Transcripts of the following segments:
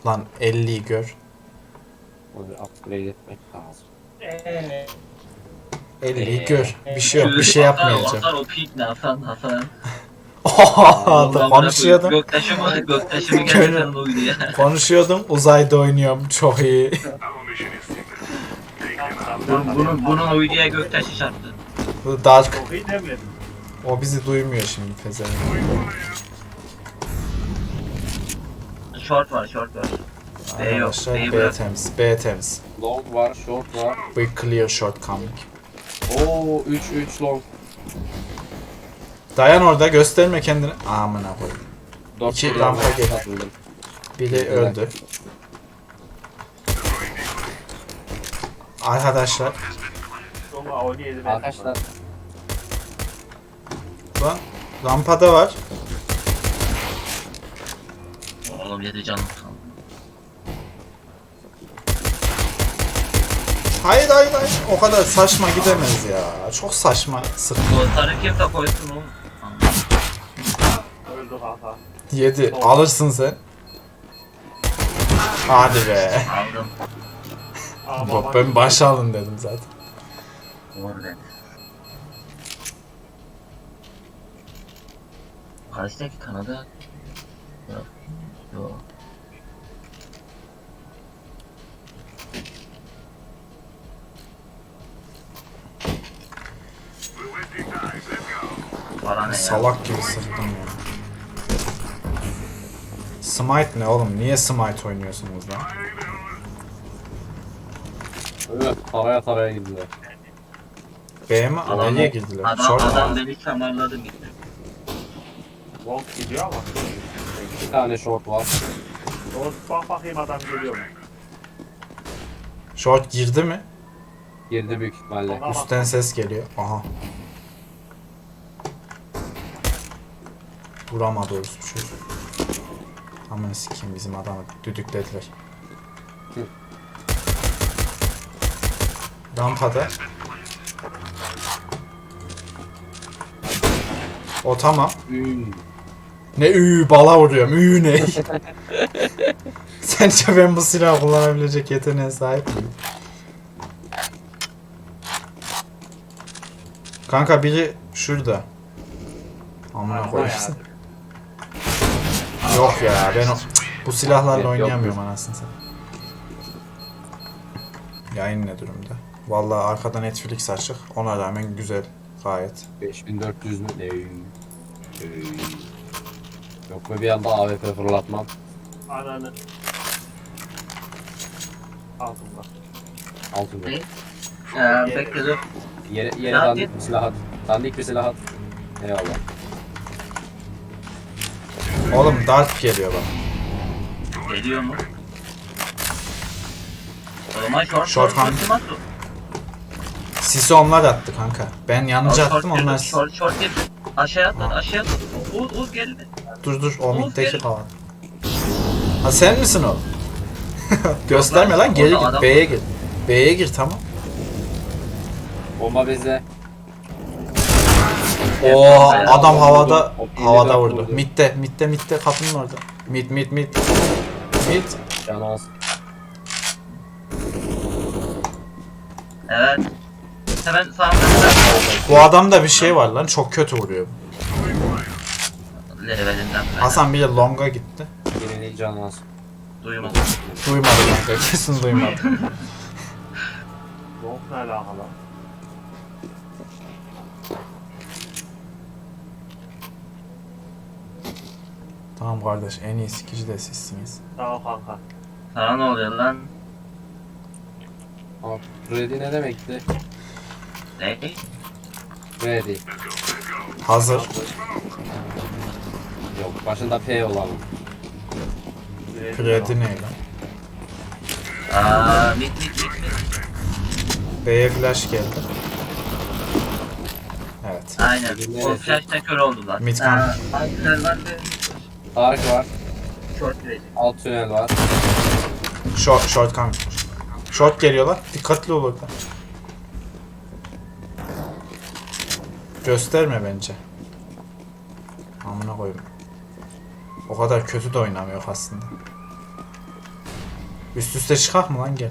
Lan 50'yi gör. Onu upgrade etmek lazım. 50'yi gör. Bir şey yok. Bir şey yapmayacağım. Atar o pik ne falan. Oha, konuşuyordum. Göktaşı mı gerçekten uydu ya. Konuşuyordum. Uzayda oynuyorum. Çok iyi. Bunun uyduya göktaşı çarptı. Bu Dark. Çok iyi demedim. O bizi duymuyor şimdi pezevenk. Short var. B yok. Arkadaşlar B'yi B bırak. temiz. B temiz. Long var, short var. We clear shortcoming. Oo 3 long. Dayan orada, gösterme kendini. Amına koyayım. 4 İki rampa gel. Biri öldü. Arkadaşlar. Sonra oynayalım. Arkadaşlar Lan rampada var. Oğlum 7 canım kaldı. Hayır. O kadar saçma gidemez ya. Çok saçma sık. Sarı kim de koysun oğlum. Öldü kanka. 7. Alırsın sen. Hadi be. Aldım. Ama Ben başa alın dedim zaten. Orada. Karşıdaki Kanada. Yok. Bana ne ya? Salak gibi sıktım ya. Smite ne oğlum? Niye Smite oynuyorsunuz lan? evet, taraya girdiler. B mi? Adam- A'ya girdiler. Adam, Short adam mu? beni kemarladı gitti. Long gidiyor ama. 2 tane short var. Doğru bak bakayım adam geliyor mu? Short girdi mi? Girdi büyük ihtimalle. Tamam. Üstten ses geliyor. Aha. Vuramadı orası bir şey. Aman sikeyim, bizim adamı düdüklediler. Hı. Rampada. O tamam. Ne bala vuruyorum. Ne? Sence ben bu silahı kullanabilecek yeteneğe sahip miyim? Kanka biri şurada. Amına koyayım. Yok ya, ben bu silahlarla Yok, oynayamıyorum anasını satayım. Yayın ne durumda? Vallahi arkada Netflix açık. Ona rağmen güzel gayet. 5400 mü? Yok mu bir anda AWP fırlatmam? Ananı. Altında. Altın Ne? yok. Bekle dur. Yere Ne dandik bir silah at. Dandik bir silah at. Eyvallah. Oğlum Dark geliyor bak. Geliyor mu? O zaman short Short hand. kim attı? Sisi onlar attı kanka. Ben yanıcı attım, onlar... Short gel. Aşağıya atladı. Uğuz geldi. Dur o Oğuz middeki gel. falan. Ha sen misin o? Gösterme lan, geri Orada gir. adam B'ye var. gir. B'ye gir, tamam. Bomba Oo, bayağı adam vurdu. havada O havada 54 vurdu. vurdu. Mid'de kapının orada. Mid. canı az. Evet. Hemen sağımda Bu adamda bir şey var lan, çok kötü vuruyor. levelinden. Hasan bir de longa gitti. Birinin canı az. Duymadım. Duymadı kanka, kesin duymadı. Long ne alakalı? Tamam kardeş, en iyi sikici de sizsiniz. Sağ ol kanka. Sana ne oluyor lan? Aa, ready ne demekti? Ne? Ready. Hazır. Yok başında P olan. Kredi ne lan? Mid. B'ye flash geldi. Evet. Aynen. Neresi? O flash'ta kör oldular. Mid kanka. Altınlar var ve Tarık var. short girecek. Alt tünel var. Short kanka. Short geliyorlar. Dikkatli ol orada. Gösterme bence. Amına koyayım. O kadar kötü de oynamıyor aslında. Üst üste çıkak mı lan gel.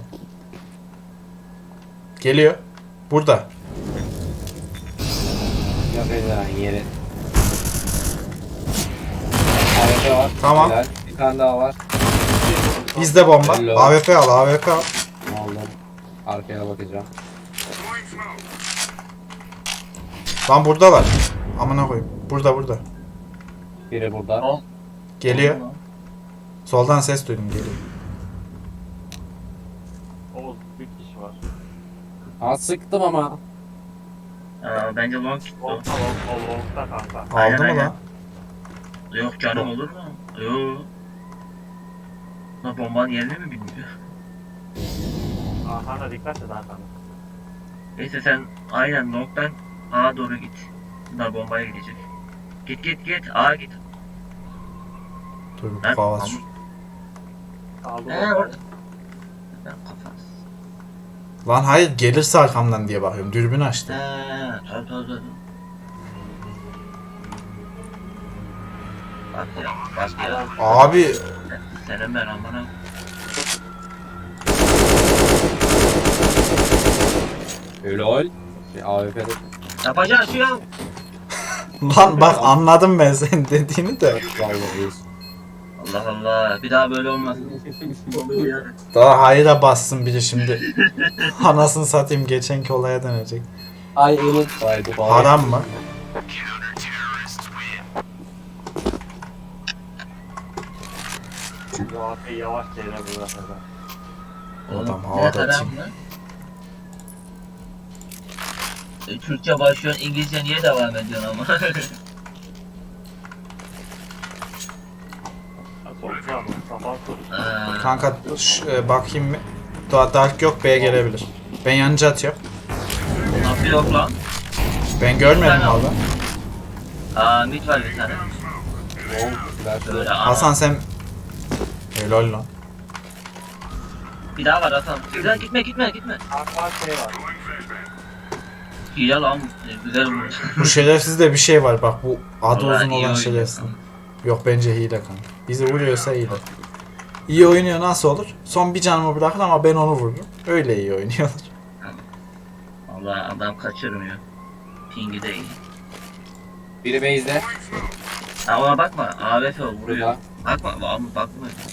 Geliyor. Burada. Yok edilen yeri. AWP var. Tamam. Helal. Bir tane daha var. Bizde bomba. Hello. AWP al, AWP al. Aldım. Arkaya bakacağım. Lan buradalar. Amına koyayım. Burada. Biri burada. Ol. Geliyor. Soldan ses duydum geliyor. Oğuz bir kişi var. Ha sıktım ama. Bence long gitti o. Long'da kanka. Aynen, Aldı mı aynen. lan? Yok canım olur mu? Yok. Lan bombanın yerini mi bilmiyor? Kanka dikkat et Hakan. Neyse sen aynen long'dan A'ya doğru git. Bunlar bombaya gidecek. Git. A'ya git. Dur Ben kafası. Aldım. Orada. Ben kafas. Lan hayır gelirse arkamdan diye bakıyorum. Dürbün açtı. Tabii. Bak ya. Abi Senin ben amına. Helal. AWP'de. Yapacağız şu ya. lan bak anladım ben senin dediğini de. Allah Allah. Bir daha böyle olmaz. Daha hayra bassın biri şimdi. Anasını satayım geçenki olaya dönecek. Ay unutmaydı. Haram mı? Bu AP'yi yavaş çevre bırakırlar. Adam Ne havada kadar tim. mı? Türkçe başlıyor, İngilizce niye devam ediyorsun ama? Sonuçta mı? Sabah sonuçta. Kanka bakayım mı? Dark yok B'ye gelebilir. Ben yanıcı atıyorum. Nasıl yok lan? Ben görmedim Ben valla. Mid var bir tane. Böyle Hasan sen... Helal lan. Bir daha var Hasan. Güzel gitme. Kanka şey var. Hile lan. Güzel olmuş. Bu şerefsizde bir şey var bak bu adı Vallahi uzun iyi olan oynuyor şerefsiz. kanka. Yok bence hile kanka. Bizi vuruyorsa hile. İyi oynuyor nasıl olur? Son bir canımı bırakır ama ben onu vururum. Öyle iyi oynuyorlar. Vallahi adam kaçırmıyor. Pingi de iyi. Biri base'de. Ona bakma. AWP o vuruyor. Burada. Bakma.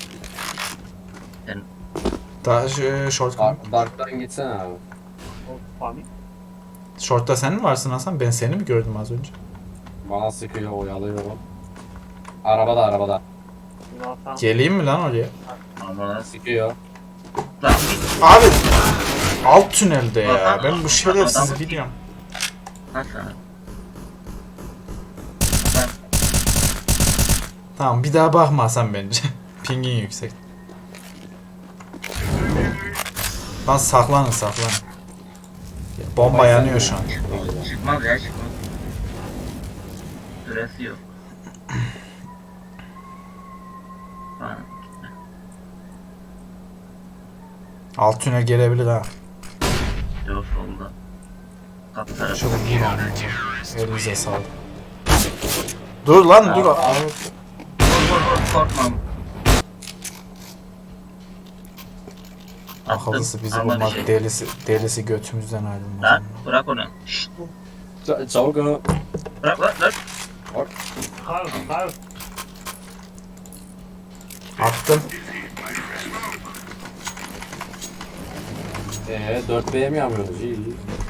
Daha short. Dark'tan gitsene abi. O panik. Short'ta sen mi varsın Hasan? Ben seni mi gördüm az önce? Bana sıkıyor oyalıyorum. Arabada. Yunan'dan Geleyim mi lan oraya? Ama Sıkıyor. lan git. Abi alt tünelde ya. Adam- Ben bu şerefsizi adam- biliyorum. Nasıl? Tamam bir daha bakma Hasan bence. Pingin yüksek. Lan saklanın. Bomba yanıyor şu an. Çıkmaz. Süresi yok. Ha, Alt tünel gelebilir ha. yok solda. Kapı tarafı. Şöyle vur onu. Elinize sağlık. Dur lan dur. Vur korkmam. Akıllısı bizi Ama bir bulmak şey. delisi götümüzden ayrılmaz. Lan bırak onu. Şşt, Çabuk onu. bırak. Kar. Attım. 4B'ye mi yapıyoruz? İyi.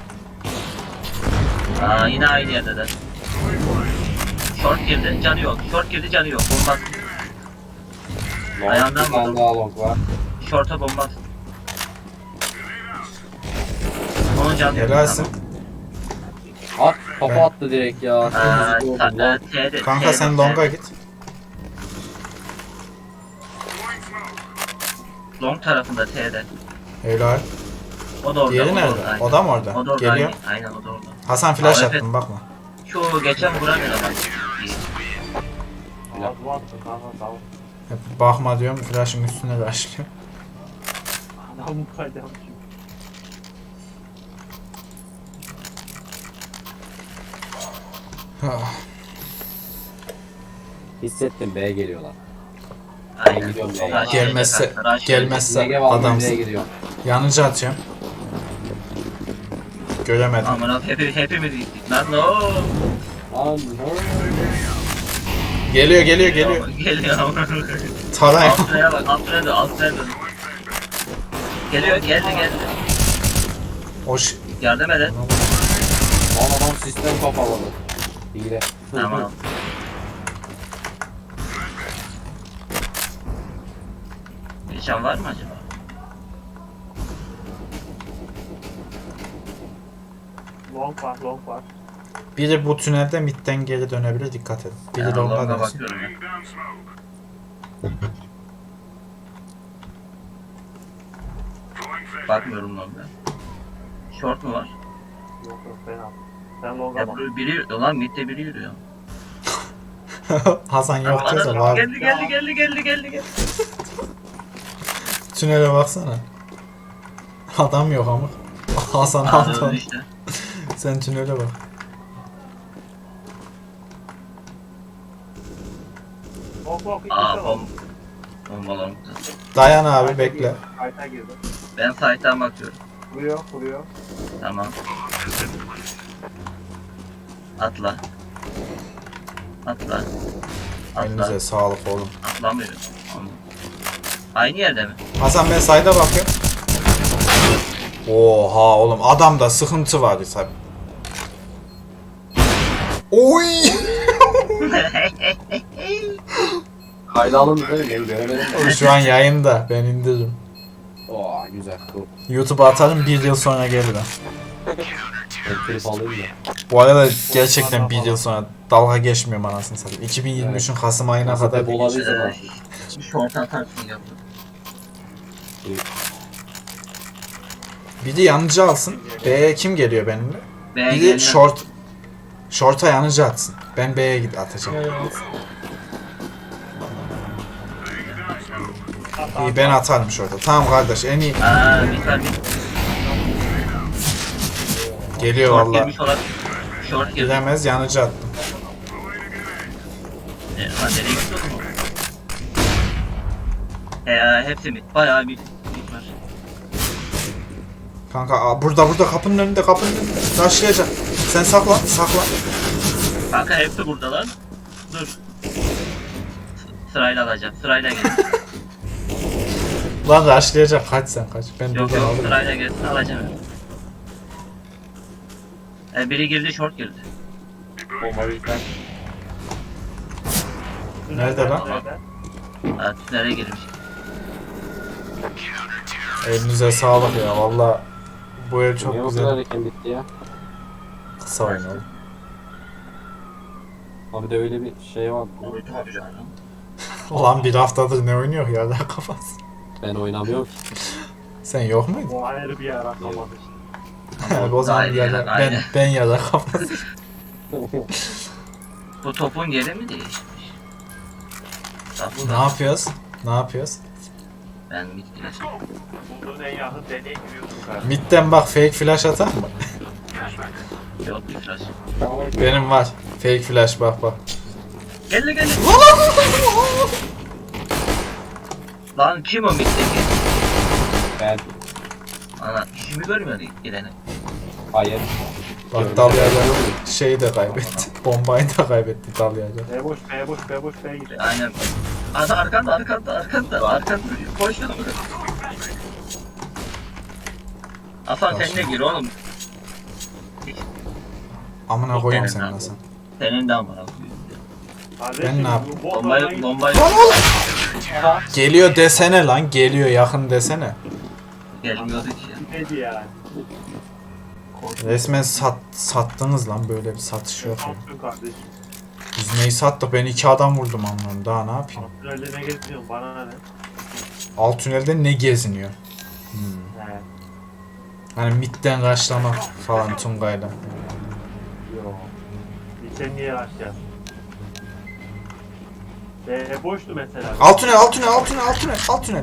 Yine aynı yerde de. Short girdi, canı yok. Bomba. Ayağından Bir tane vurdum. daha long var. Short'a bomba. Onun canı yok. Helalsin. At kafa attı direkt ya. T'de. Kanka sen longa git. Long tarafında T'de. Helal. O da orada. Diğeri o da nerede? orada, aynen. O da mı orada? O da orada. Geliyor. Aynen o da orada. Hasan flash AWP. attım bakma. Şu geçen vuran adam. Ağzıma attı kanka sağ ol. Hep bakma diyorum flash'ın üstüne rushlıyor. Adam kaydı çünkü. Hissettim B geliyorlar. Aynen. gidiyorum ya. Rush Gelmezse- gelecek kanka, rush gelmezse- Ege var Adamsın. nereye gidiyor? Yanıcı atıyorum. Göremedim. gelecek. Aman hepimiz gittik lan no. Lan Geliyor. Geliyor aman. Taray. Altına bak altına dön. Geliyor geldi. Hoş. Yardım edin. lan adam sistem kapalı. Hile. Tamam. Nişan var mı acaba? Long var. Biri bu tünelde midden geri dönebilir, dikkat edin. Biri Ben de ondan Long'a dönsün. bakıyorum ya. Bakmıyorum Long'a. Short mu var? Yok fena. Sen long'a Ya bak. biri yürüyor lan midde biri yürüyor. Hasan yok Ana, diyorsa var. Geldi. Tünele baksana. Adam yok ama. Hasan Aa, Altan. öldü işte. Sen tünele bak. Long Aa bombalarım. Dayan abi, bekle. Kayta girdi. Ben site'dan bakıyorum. Vuruyor. Tamam. Atla. Elinize sağlık oğlum. Atlamıyorum. Tamam. Aynı yerde mi? Hasan ben sayda bakıyorum. Oha oğlum, adamda sıkıntı var tabi. Oy! Kayda alın değil mi? Ben göremedim. Şu an yayında, ben indiririm. Oo güzel. Dur. YouTube'a atarım, 1 yıl sonra gelir ha. Ben trip alayım da. Bu arada gerçekten 1 yıl sonra dalga geçmiyorum anasını satayım. 2023'ün Kasım ayına Nasıl kadar hep olabilir zaman. Short atarsın yaptım. biri yanıcı alsın. B'ye kim geliyor benimle? Biri short'a yanıcı atsın. Ben B'ye atacağım. İyi, ben atarım short'a. Tamam kardeş, en iyi. Bir Geliyor short valla. girmiş olabilir. Short girdi. Gidemez, yanıcı attım. Nereye gidiyorsun? Hepsi mi? Bayağı bir var. Kanka burada kapının önünde. Taşlayacak. Sen saklan. Kanka hepsi burada lan. Dur. Sırayla alacağım. Sırayla gel. Lan taşlayacak, kaç sen kaç. Ben Yok buradan alırım. sırayla gelsin alacağım. Biri girdi short girdi. Bomba bizden. Nerede lan? Nereye girmiş? Elinize sağlık ya, valla. Bu ev Niye çok o kadar güzel. erken bitti ya? Kısa oyun oğlum. Abi de öyle bir şey var. Tabii canım. Ulan bir haftadır ne oynuyor ya, daha kafası. Ben oynamıyorum ki. Sen yok muydun? Bu ayrı bir yer atlamadı işte. O zaman Aynen, ya da aynen. ben ya da kafası. Bu topun yeri mi değişmiş? Ne yapıyoruz? Ben bitkiler. Bulduğun en yakın deliğe giriyorsun kardeşim. Midden bak, fake flash atar mı? Yok bir flash. Benim var. Fake flash, bak. Geldi. Lan kim o mitteki? Ben. Ana işimi görmüyordu gideni. Hayır. Bak Dalya'da şeyi de kaybetti. Bombayı da kaybetti Dalya'da. B boş B gidiyor. Aynen. Ana arkanda. Koş yanıma. Hasan sen de gir oğlum. Amına koyayım sen Hasan. Senin de ama. Ben ne yapayım? Bombayı Geliyor desene lan, geliyor, yakın desene. gelmiyordu ki ya. Neydi yani? Resmen sattınız lan, böyle bir satış yok ya. Altın kardeşim. Biz neyi sattık, ben 2 adam vurdum anlamı, daha ne yapayım? Altın öyle ne geziyorsun bana ne? Alt tünelde ne geziniyor? He. Hani midden raşlamak falan Tungay'la. Yok. Sen niye açacaksın? Boştu mesela. Alt tünel.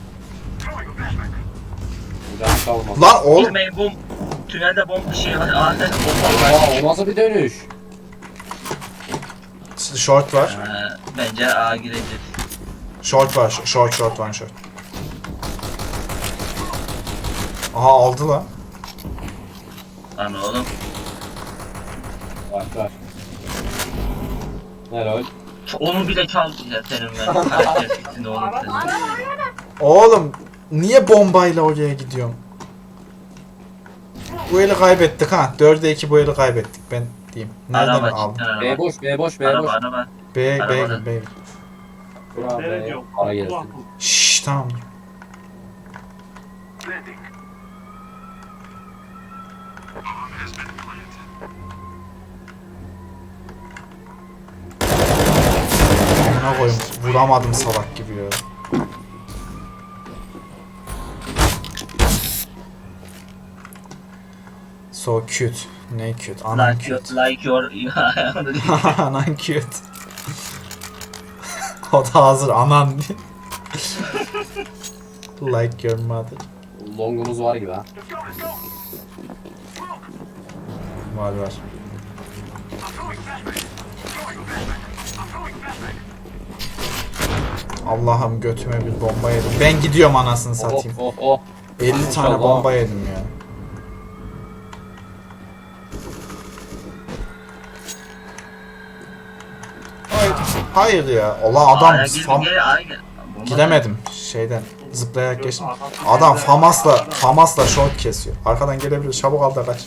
Can kalmaz. Lan oğlum. Bilmeyin bu tünelde bomba şey var. Bomba var. Aa o nasıl bir dönüş? Short var. Bence A girebilir. Short var. Short one short. Aha aldı lan. Lan oğlum. Var. Helal. Onu bile çaldı ya senin ben. Karakter fikrinde oğlum senin. Oğlum niye bombayla oraya gidiyorum? Bu eli kaybettik ha. 4'e 2 bu eli kaybettik ben diyeyim. Nereden Araba aldım? cidden araba. B boş, B boş, B Araba boş. araba. B Arabada. B. Bravo Ne be. diyorum? Para gelsin. Şşş tamam. Amına koyayım vuramadım salak gibi ya. So cute. Ne cute? Anan cute. Like your... Anan cute. O da hazır anan diye. Like your mother. Longumuz var gibi ha. Var. Allah'ım götüme bir bomba yedim. Ben gidiyorum anasını satayım. Oh. 50 tane İnşallah. bomba yedim ya. Hayır ya. Ola adam gidemedim şeyden zıplayarak geçtim. Adam Famas'la short kesiyor. Arkadan gelebilir. Çabuk al da kaç.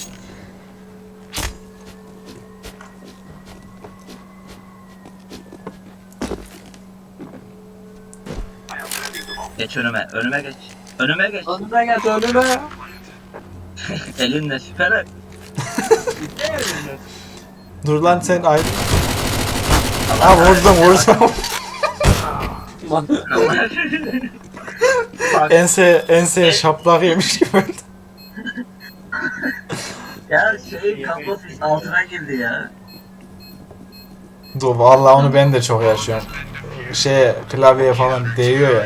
Geç önüme. Önüme geç. Önüme geç. Önüme geç, önüme. Elinle süper. Dur lan sen ayrı. Ha vurdum. Enseye şaplak yemiş gibi oldu. Ya kablo altına girdi ya. Dur vallahi onu ben de çok yaşıyorum. Klavyeye falan değiyor ya. Yani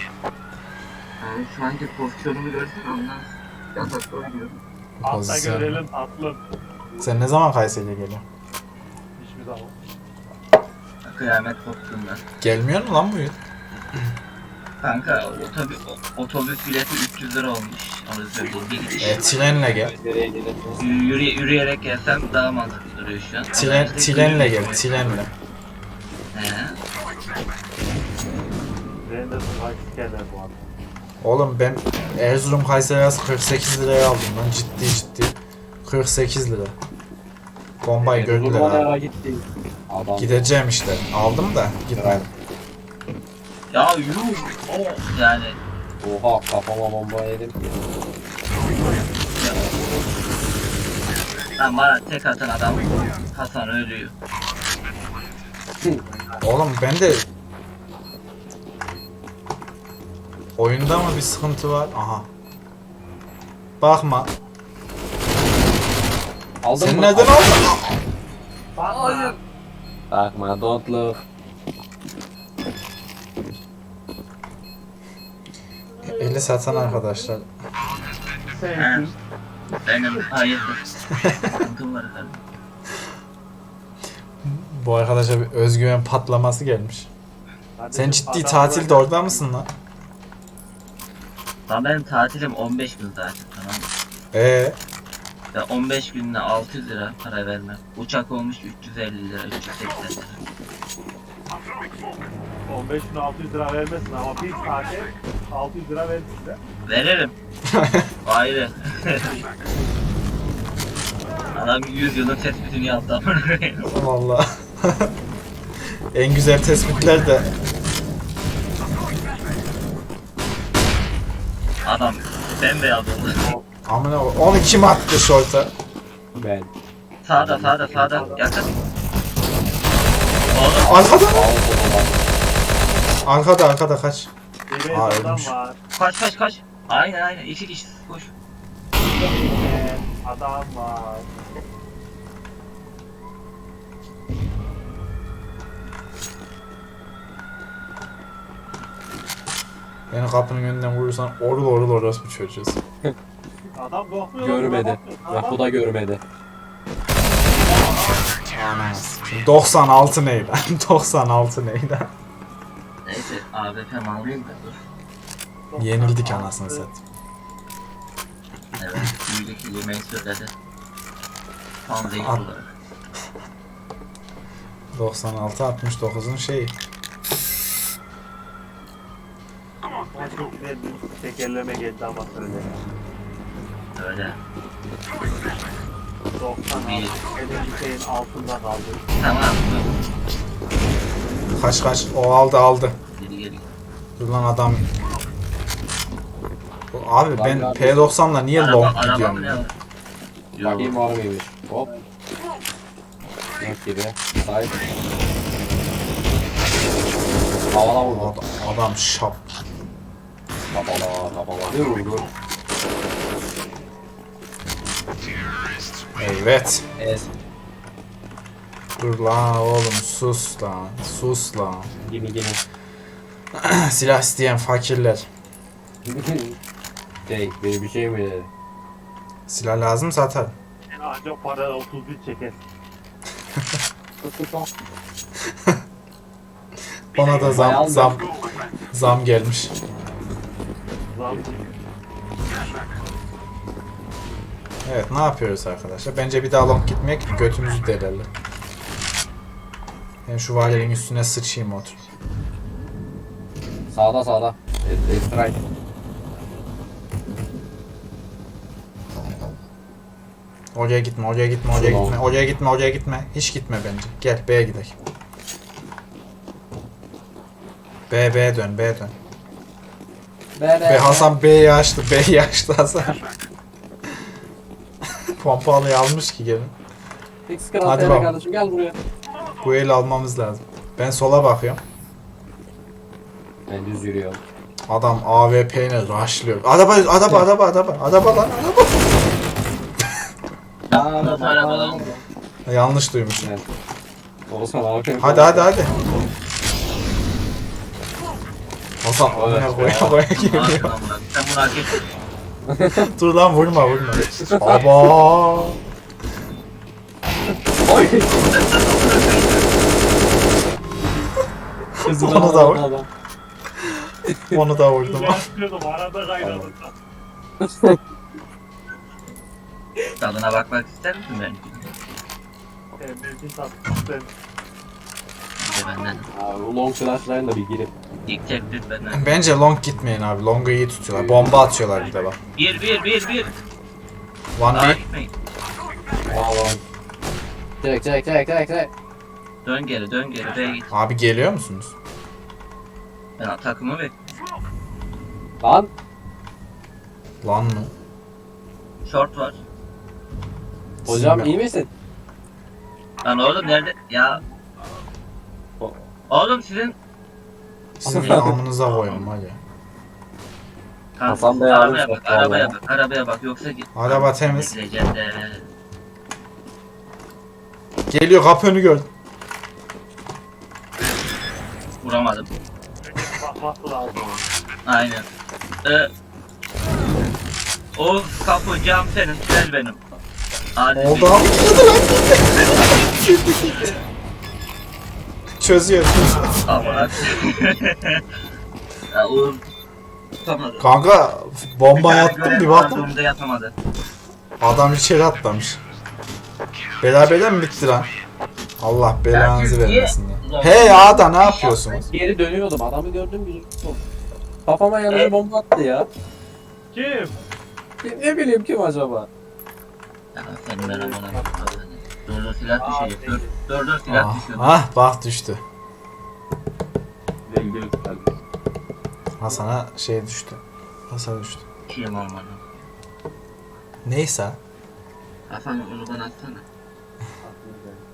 sanki pozisyonumu görsün ondan. Yatakta oynuyorum. Atla Pozisyon. görelim atlım. Sen ne zaman Kayseri'ye geliyorsun? Hiçbir zaman. Kıyamet koptuğunda. Gelmiyor mu lan bu yıl? Kanka otobüs bileti 300 lira olmuş. Onu söyleyeyim. Bir gidiş. Trenle gel. Nereye gidiyorsun? Yürüyerek gelsem daha mantıklı duruyor şu an. Trenle gel. Trenle. He. Ben de sikerler bu arada. Oğlum ben Erzurum Kayseri arası 48 liraya aldım lan ciddi. 48 lira. Bombayı gördüler abi. Nereye gitti? Adam. Gideceğim işte. Aldım da gitmedim. Ya yuh. O yani. Oha, kafama bomba yedim. Lan bana tek atan adam Hasan ölüyor. Oğlum ben de oyunda mı bir sıkıntı var? Aha. Bakma. Aldın Sen mı? nereden aldın? Hayır. Bakma, don't look. Eli satan arkadaşlar. He. Benim hayırdır. Sıkıntım var efendim. Bu arkadaşa bir özgüven patlaması gelmiş. Sen ciddi tatilde orada mısın lan? Lan benim tatilim 15 gün zaten, tamam mı? Ve 15 gününe 600 lira para vermem. Uçak olmuş 350 lira, 380 lira. 15 gün 600 lira vermesin ama bir saate 600 lira verir size. Veririm. Ayrı. Adam 100 yılın tespitini yaptı. Vallahi. En güzel tespitler de Adam bembeyaz oldu. amına onu kim attı şorta? Ben. Sağda yakın. Oğlum Arkada. Aldı Arkada kaç. Bir Aa, adam ölmüş. var. kaç. Aynen 2 kişi koş. Adam var. Beni kapının önünden vurursan orul orospu çocuğuz. Adam korkmuyor. Görmedi. Bak bu da görmedi. Anas. 96 ney lan? 96 ney lan? Neyse AWP mi alayım da dur. Yenildik anasını satayım. Evet, büyüdeki yemeği söyledi. Tam zevk Al. olarak. 96-69'un şeyi. Ama çok güzel bir tekerleme geldi ama söyle. Öyle. 96 elin şeyin altında kaldı. Tamam. Kaç. O aldı. Geri. Dur lan adam. Abi ben P90'la niye long gidiyorum ne ya? var? Yok. Bakayım var mıymış? Hop. Yok gibi. Sahip. Havana vurdu. Adam şap. Kapala. Ne vurdu? Evet. Es. Dur lan oğlum sus lan. Gibi. Silah isteyen fakirler. Biri bir şey mi dedi? Silah lazım zaten. En ancak para 31 çeker. Bana da zam gelmiş. Zam. Evet ne yapıyoruz arkadaşlar? Bence bir daha long gitmek götümüzü delerler. Ben şu valinin üstüne sıçayım otur. Sağda. Strike. Oraya gitme. Hiç gitme bence. Gel B'ye gidelim. B'ye dön. Ve Hasan B'yi açtı Hasan. Pompalıyı almış ki gelin. Hadi Hadi bakalım. kardeşim gel buraya. Bu eli almamız lazım. Ben sola bakıyorum. Ben düz yürüyorum. Adam AWP'yle rushlıyor. Araba lan. Arabadan. Yanlış duymuşum. Evet. Olsan abi. Hadi. Hasan amına koya geliyor. Sen bunu hak ettin. Dur lan vurma. Aba. Oy. Onu da vur. Onu da vurdum. Ben yapıyordum arada kaynadım. Tadına bakmak ister misin ben? Mevcut sattım. Bir de benden. Abi long flashline da bir girip. İlk teklif benden. Bence long gitmeyin abi. Long'u iyi tutuyorlar. Bomba atıyorlar bir de bak. 1. One Daha B. gitmeyin. Çek. Dön geri. B'ye git. Abi geliyor musunuz? Ben takımı bekliyorum. Lan. Lan mı? Short var. Hocam Sizin- iyi misin? Lan oğlum nerede? Ya. Oğlum sizin Sizin amınıza koyun hadi. Hasan Bey arabaya almış bak, bak arabaya vallahi. bak, arabaya bak yoksa git. Araba temiz. Legende. Geliyor kapı önü gördüm. Vuramadım. Bakması lazım. Aynen. O kapı cam senin, gel benim. Hadi Oldu bir- abi. Çözüyor. Ama ya Uğur tutamadı. Kanka bomba yattım bir baktım. Durumda yapamadı. Adam içeri atlamış. Beraber mi bitti lan? Allah belanızı vermesin ya. Hey Ada ne yapıyorsunuz? Geri dönüyordum. Adamı gördüm bir kafama yanıcı bomba attı ya. Kim? Ne bileyim kim acaba? Ya senin ben amına. Dur silah düşecek. Dur silah Ah, düşüyor. ah bak düştü. Hasan'a şey düştü. Hasan düştü. Kim olmadı. Neyse. Hasan onu bana atsana.